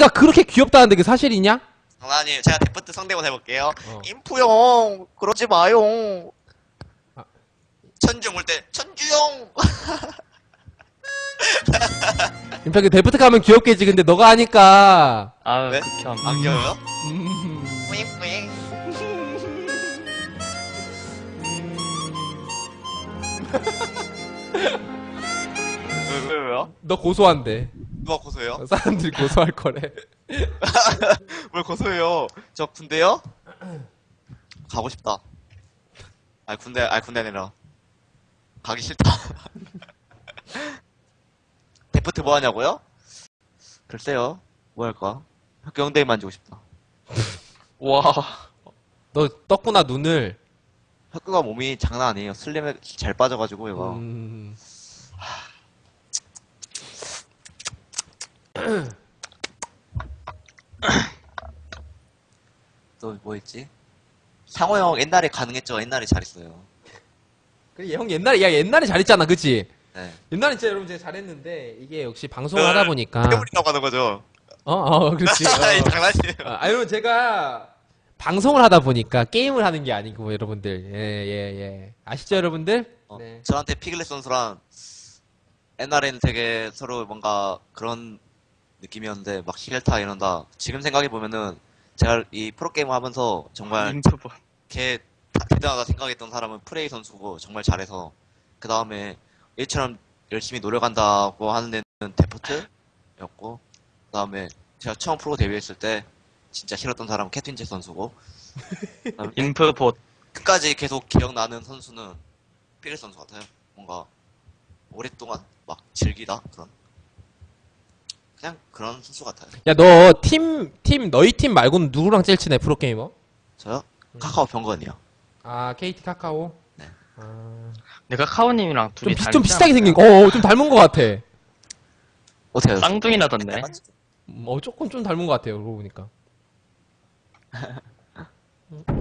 가 그렇게 귀엽다는데 그게 사실이냐? 장난이에요. 제가 데프트 성대모사 해볼게요. 어. 인프형 그러지 마요. 아. 천주 올 때 천주형. 임팩트 데프트 가면 귀엽겠지. 근데 너가 하니까. 아유, 네? 극혐. 안 귀여워요? 뿌잉뿌잉. 왜요? 너 고소한데. 누가 고소해요? 사람들이 고소할 거래. 뭘 고소해요? 저 군대요? 가고 싶다. 군대 아니라 가기 싫다. 데프트 뭐 하냐고요? 글쎄요. 뭐 할까? 학교 영대에 만지고 싶다. 와. 너 떴구나 눈을. 학교가 몸이 장난 아니에요. 슬림에 잘 빠져가지고 얘가. 또 뭐 있지? 상호 형 옛날에 가능했죠. 옛날에 잘했어요. 그래 형 옛날에 잘했잖아, 그치? 네. 옛날에 진짜 여러분 제가 잘했는데 이게 역시 방송을 하다 보니까. 태물이라고 하는 거죠. 그렇지. 이 장난이에요. 여러분 제가 방송을 하다 보니까 게임을 하는 게 아니고 여러분들 예. 아시죠 여러분들? 네. 저한테 피글렛 선수랑 옛날에는 되게 서로 뭔가 그런 느낌이었는데 막 히겔타 이런다. 지금 생각해보면은 제가 이 프로게이머 하면서 정말 인프보. 걔 대단하다 생각했던 사람은 프레이 선수고 정말 잘해서 그 다음에 일처럼 열심히 노력한다고 하는 데는 데프트였고 그 다음에 제가 처음 프로 데뷔했을 때 진짜 싫었던 사람은 캐트윈잭 선수고 그다음에 인프봇. 끝까지 계속 기억나는 선수는 피글 선수 같아요. 뭔가 오랫동안 막 즐기다 그냥 그런 선수 같아요. 야 너 너희 팀 말고는 누구랑 제일 친해 프로게이머? 저요? 카카오 병건이요. 아 KT 카카오? 네. 내가 카오님이랑 둘이 좀 비슷하게 생긴 좀 닮은 것 같아. 어때요? 쌍둥이라던데. 조금 좀 닮은 것 같아요 그러고 보니까.